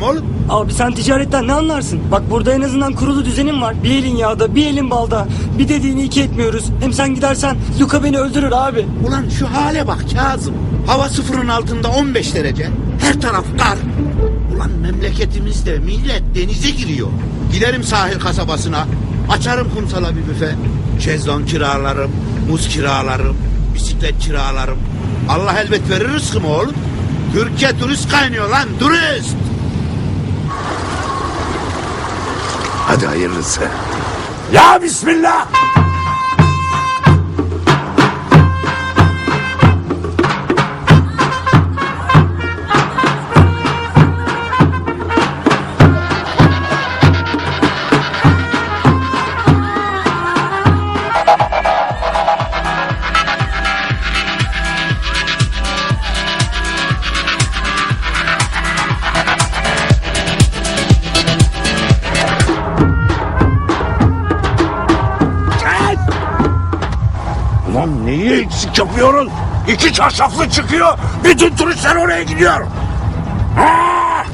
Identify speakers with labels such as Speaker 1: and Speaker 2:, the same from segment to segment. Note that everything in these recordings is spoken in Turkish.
Speaker 1: oğlum?
Speaker 2: Abi sen ticaretten ne anlarsın? Bak burada en azından kurulu düzenim var. Bir elin yağda, bir elin balda. Bir dediğini iki etmiyoruz. Hem sen gidersen Luka beni öldürür abi.
Speaker 1: Ulan şu hale bak Kazım. Hava sıfırın altında 15 derece. Her taraf kar. Ulan memleketimizde millet denize giriyor. Giderim sahil kasabasına. Açarım kumsala bir büfe. Şezlong kiralarım, muz kiralarım, bisiklet kiralarım. Allah elbet verir rızkımı oğlum. Türkiye turist kaynıyor lan, turist.
Speaker 3: Hadi hayırlısı. Ya bismillah. Ulan neyi eksik yapıyorsun? 2 çarşaflı çıkıyor. Bütün turistler oraya gidiyor. Ha!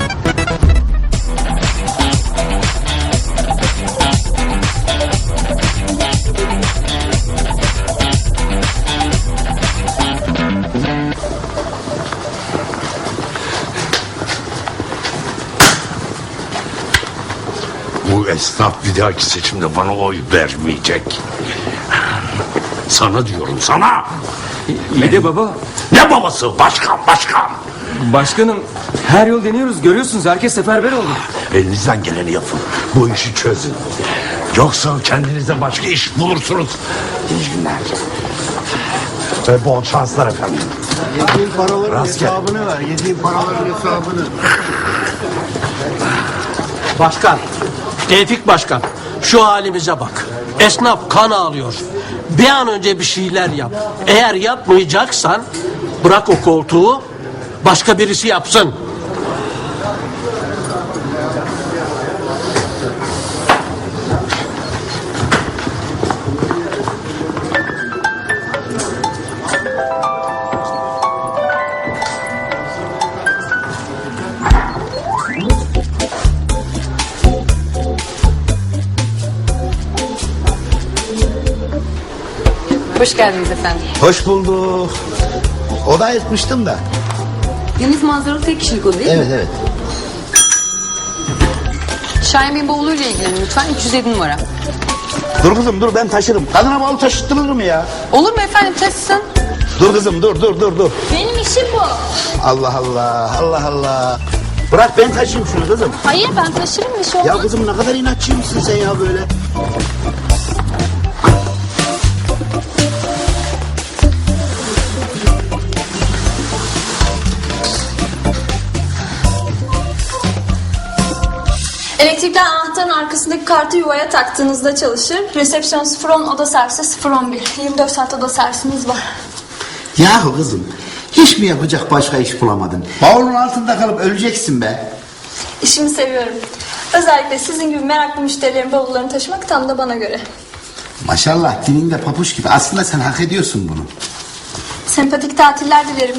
Speaker 3: Bu esnaf bir dahaki seçimde bana oy vermeyecek. Sana diyorum sana.
Speaker 4: İyi de baba.
Speaker 3: Ne babası? Başkan.
Speaker 4: Başkanım her yol deniyoruz, görüyorsunuz herkes seferber oldu.
Speaker 3: Elinizden geleni yapın. Bu işi çözün. Yoksa kendinize başka iş bulursunuz. İyi günler. Ve bol şanslar efendim.
Speaker 1: Yediğin paraların
Speaker 3: Rastgele.
Speaker 1: hesabını ver. Yediğin paraların hesabını.
Speaker 5: Başkan, Tevfik Başkan, şu halimize bak. Esnaf kan ağlıyor. Bir an önce bir şeyler yap. Eğer yapmayacaksan bırak o koltuğu, başka birisi yapsın.
Speaker 6: Hoş geldiniz efendim.
Speaker 1: Hoş bulduk. Oda ayırtmıştım da.
Speaker 6: Deniz manzaralı tek kişilik oda değil mi?
Speaker 1: Evet.
Speaker 6: Şahin Bey'in bavuluyla ilgilenin lütfen. 307 numara.
Speaker 1: Dur kızım dur, ben taşırım. Kadına bavul taşıttırılır mı ya?
Speaker 6: Olur mu efendim, taşısın.
Speaker 1: Dur kızım dur.
Speaker 6: Benim işim bu.
Speaker 1: Allah. Bırak ben taşıyayım şunu kızım.
Speaker 6: Hayır, ben taşırım, bir şey
Speaker 1: Ya
Speaker 6: olmaz.
Speaker 1: kızım ne kadar inatçıymışsın sen ya böyle.
Speaker 7: Elektrikler anahtarın arkasındaki kartı yuvaya taktığınızda çalışır. Resepsiyon 010, oda servisi 011. 24 saat oda servisimiz var.
Speaker 1: Yahu kızım, hiç mi yapacak başka iş bulamadın? Bavulun altında kalıp öleceksin be.
Speaker 7: İşimi seviyorum. Özellikle sizin gibi meraklı müşterilerin bavullarını taşımak tam da bana göre.
Speaker 1: Maşallah dilinde papuç gibi. Aslında sen hak ediyorsun bunu.
Speaker 7: Sempatik tatiller dilerim.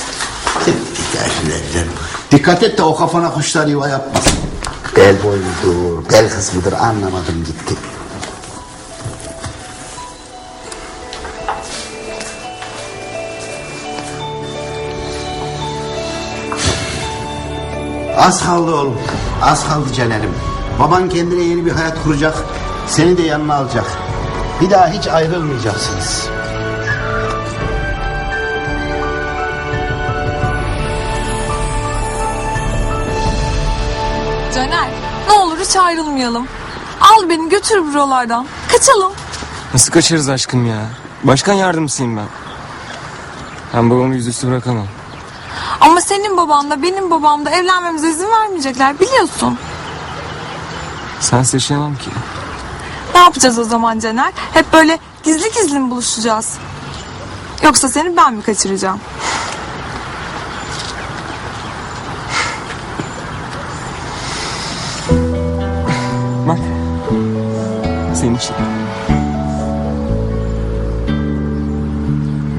Speaker 1: Dikkat et de o kafana kuşlar yuva yapmasın. Bel boyudur, bel kısmıdır anlamadım gitti. Az kaldı oğlum, az kaldı Caner'im. Baban kendine yeni bir hayat kuracak, seni de yanına alacak. Bir daha hiç ayrılmayacaksınız.
Speaker 8: Caner, ne olur hiç ayrılmayalım. Al beni götür buralardan. Kaçalım.
Speaker 4: Nasıl kaçarız aşkım ya? Başkan yardımcısıyım ben. Ben babamı yüzüstü bırakamam.
Speaker 8: Ama senin baban da benim babam da evlenmemize izin vermeyecekler, biliyorsun.
Speaker 4: Sensiz yaşayamam ki.
Speaker 8: Ne yapacağız o zaman Caner? Hep böyle gizli gizli mi buluşacağız? Yoksa seni ben mi kaçıracağım?
Speaker 4: Bak. Senin için.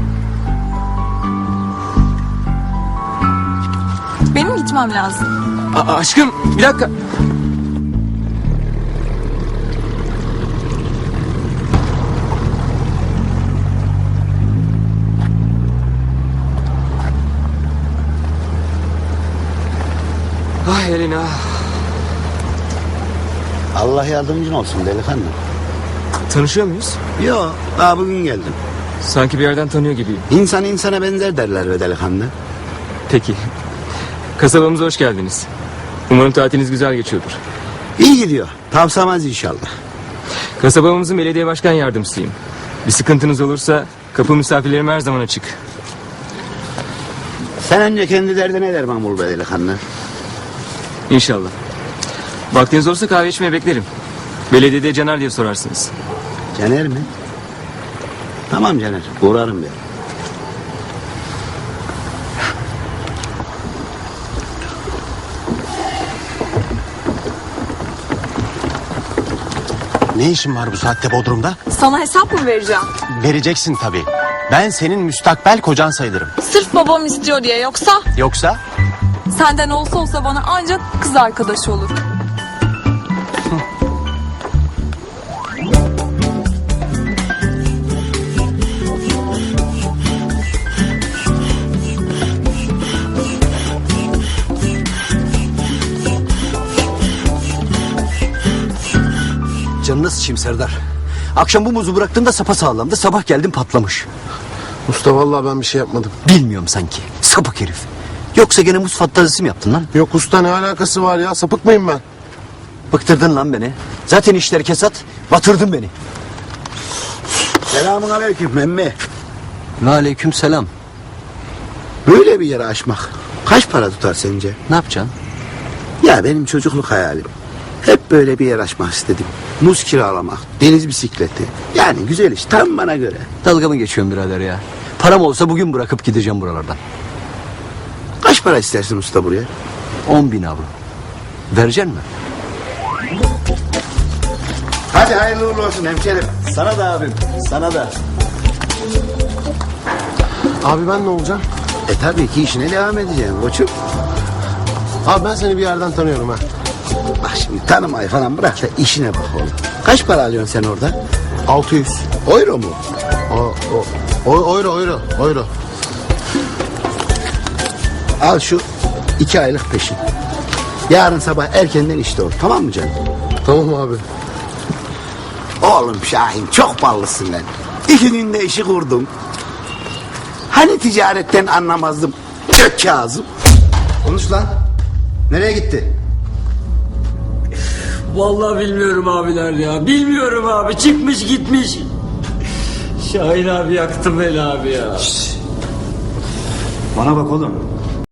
Speaker 8: Benim gitmem lazım.
Speaker 4: Aşkım bir dakika. Ay Elina.
Speaker 1: Allah yardımcın olsun delikanlı.
Speaker 4: Tanışıyor muyuz?
Speaker 1: Yo, daha bugün geldim.
Speaker 4: Sanki bir yerden tanıyor gibiyim.
Speaker 1: İnsan insana benzer derler be delikanlı.
Speaker 4: Peki. Kasabamıza hoş geldiniz. Umarım tatiliniz güzel geçiyordur.
Speaker 1: İyi gidiyor. Tavsamaz inşallah.
Speaker 4: Kasabamızın belediye başkan yardımcısıyım. Bir sıkıntınız olursa kapı misafirlerim her zaman açık.
Speaker 1: Sen önce kendi derdine derman bul be delikanlı.
Speaker 4: İnşallah. Vaktiniz olursa kahve içmeye beklerim. Belediyede Caner diye sorarsınız.
Speaker 1: Caner mi? Tamam Caner, uğrarım ben.
Speaker 9: Ne işin var bu saatte Bodrum'da?
Speaker 8: Sana hesap mı vereceğim?
Speaker 9: Vereceksin tabii. Ben senin müstakbel kocan sayılırım.
Speaker 8: Sırf babam istiyor diye, yoksa
Speaker 9: Yoksa?
Speaker 8: senden olsa bana ancak kız arkadaşı olur.
Speaker 10: Canını sıçayım Serdar. Akşam bu muzu bıraktığımda sapasağlamdı. Sabah geldim patlamış.
Speaker 9: Usta vallahi ben bir şey yapmadım.
Speaker 10: Bilmiyorum sanki. Sapık herif. Yoksa gene muz fantazisi mi yaptın lan?
Speaker 9: Yok usta, ne alakası var ya? Sapık mıyım ben?
Speaker 10: Bıktırdın lan beni. Zaten işler kesat. Batırdın beni.
Speaker 1: Selamun aleyküm emmi.
Speaker 10: Ve aleyküm selam.
Speaker 1: Böyle bir yere açmak kaç para tutar sence?
Speaker 10: Ne yapacaksın?
Speaker 1: Ya benim çocukluk hayalim. Hep böyle bir yer açmak istedim. Muz kiralamak, deniz bisikleti. Yani güzel iş, tam bana göre.
Speaker 10: Dalga mı geçiyorsun birader ya? Param olsa bugün bırakıp gideceğim buralardan.
Speaker 1: Kaç para istersin usta buraya?
Speaker 10: 10.000 avro. Vereceksin mi?
Speaker 1: Hadi hayırlı uğurlu olsun hemşerim.
Speaker 10: Sana da abim. Sana da.
Speaker 9: Abi ben ne olacağım?
Speaker 1: Tabii ki işine devam edeceğim koçum.
Speaker 9: Abi ben seni bir yerden tanıyorum ha.
Speaker 1: Bak şimdi tanımayı falan bırak da işine bak oğlum. Kaç para alıyorsun sen orada?
Speaker 9: 600.
Speaker 1: Euro mu?
Speaker 9: Euro.
Speaker 1: Al şu 2 aylık peşin. Yarın sabah erkenden işte ol. Tamam mı canım?
Speaker 9: Tamam abi.
Speaker 1: Oğlum Şahin çok ballısın lan. 2 günde işi kurdum. Hani ticaretten anlamazdım. Kök Kazım.
Speaker 10: Konuş lan. Nereye gitti?
Speaker 2: Vallahi bilmiyorum abiler ya. Bilmiyorum abi. Çıkmış gitmiş. Şahin abi yaktı beni abi ya.
Speaker 10: Bana bak oğlum.